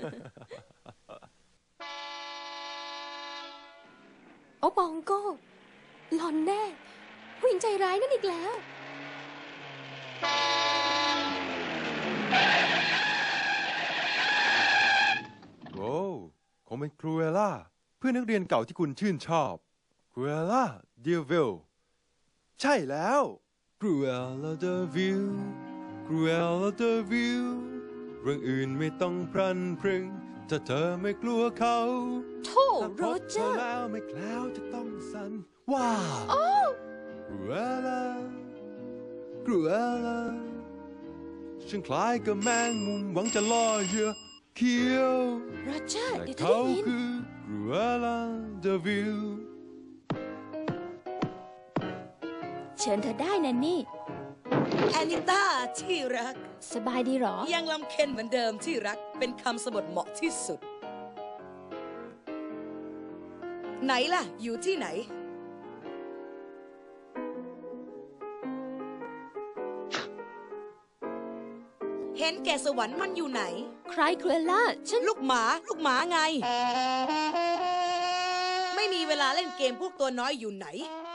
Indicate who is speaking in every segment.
Speaker 1: โอ้บองโก้หลอนแน่ผู้หญิงใจร้ายนั่นอีกแล้ว
Speaker 2: โอ้คงเป็นครูเอล่าเพื่อนนักเรียนเก่าที่คุณชื่นชอบครูเอล่าเดวิลใช่แล้วครูเอล่าเดวิลครูเอล่าเดวิลเรื่องอื่นไม่ต้องพรันพรึงถ้าเธอไม่กลัวเขา
Speaker 1: โธ่โรเจอร์
Speaker 2: แล้วไม่แคล้วจะต้องสั่นว้าวครูเอล่าครูเอล่าฉันคล้ายกับแมงมุมหวังจะล่อเหยื่อเขียว
Speaker 1: โรเจอร์เดี๋ยวเธอ
Speaker 2: เขา
Speaker 1: ได้ยิน
Speaker 2: คือครูเอล่าเดวิล
Speaker 1: เชิญเธอได้นะนี่
Speaker 3: แอนิต้าที่รัก
Speaker 1: สบายดีหรอ
Speaker 3: ยังลำเค็ญเหมือนเดิมที่รักเป็นคำสบทเหมาะที่สุดไหนล่ะอยู่ที่ไหนเห็นแก่สวรรค์มันอยู่ไหน
Speaker 1: ใครครูเอล่าฉัน
Speaker 3: ลูกหมาไงไม่มีเวลาเล่นเกมพวกตัวน้อยอยู่ไหน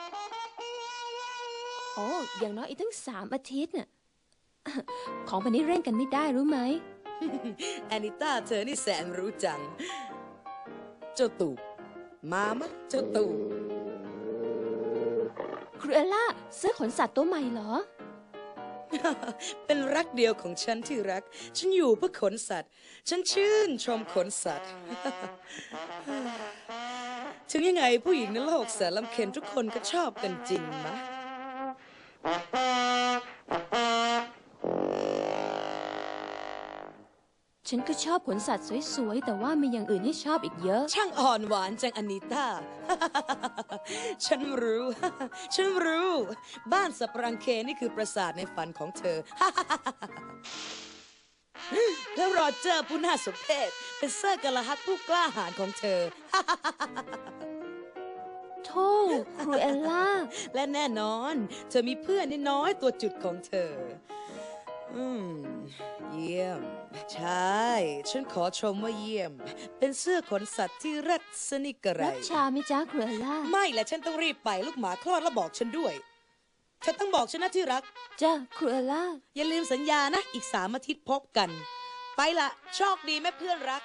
Speaker 1: โอ้อย่างน้อยอีกตั้ง3 อาทิตย์น่ะของพันนี้เร่งกันไม่ได้รู้ไหม
Speaker 3: แอนิต้าเธอนี่แสนรู้จังเจ้าตูบมามะเจ้าตูบ
Speaker 1: ครูเอล่าซื้อขนสัตว์ตัวใหม่เหรอ
Speaker 3: เป็นรักเดียวของฉันที่รักฉันอยู่เพื่อขนสัตว์ฉันชื่นชมขนสัตว์ ถึงยังไงผู้หญิงในโลกแสนลำเค็ญทุกคนก็ชอบกันจริงมะ
Speaker 1: ฉันก็ชอบขนสัตว์สวยๆแต่ว่ามีอย่างอื่นให้ชอบอีกเยอะ
Speaker 3: ช่างอ่อนหวานจังอานิต้า ฉันรู้ ฉันรู้บ้านสับรังเคนี่คือปราสาทในฝันของเธอ แล้วโรเจอร์ผู้น่าสมเพชเป็นเซอร์กะละฮักผู้กล้าหาญของเธอ
Speaker 1: โธ่ครูเอลล่า
Speaker 3: และแน่นอนเธอมีเพื่อนน้อยตัวจุดของเธอเยี่ยมใช่ฉันขอชมว่าเยี่ยมเป็นเสื้อขนสัตว์ที่รัดสนิกกระไร
Speaker 1: รับชามิจ้าครูเอลล่า
Speaker 3: ไม่และฉันต้องรีบไปลูกหมาคลอดแล้วบอกฉันด้วยเธอต้องบอกฉันนะที่รัก
Speaker 1: จ้าครูเอลล่า
Speaker 3: อย่าลืมสัญญานะอีก3 อาทิตย์พบกันไปละโชคดีแม่เพื่อนรัก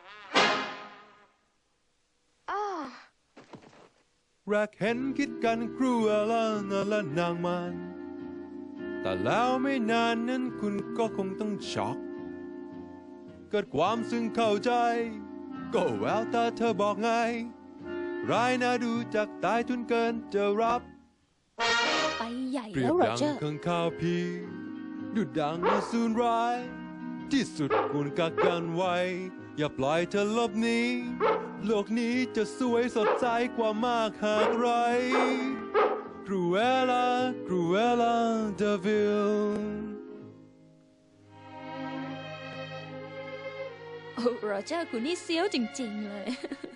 Speaker 2: รักเห็นคิดกันครูเอล่าและนางมันแต่แล้วไม่นานนั้นคุณก็คงต้องช็อกเกิดความซึ้งเข้าใจก็แววตาเธอบอกไงร้ายน่าดูจากตายทุนเกินจะรับ
Speaker 1: ไปใหญ่แล้วโรเจอร์
Speaker 2: เปรียบดังข้างข้าวพีดุดดังอสูรร้ายที่สุดกุนกักกันไว้อย่าปล่อยเธอลบหนีโลกนี้จะสวยสดใสกว่ามากหากไรCruella, Cruella de Vil
Speaker 1: โอ้โรเจอร์คุณนี่เซี้ยวจริงๆเลย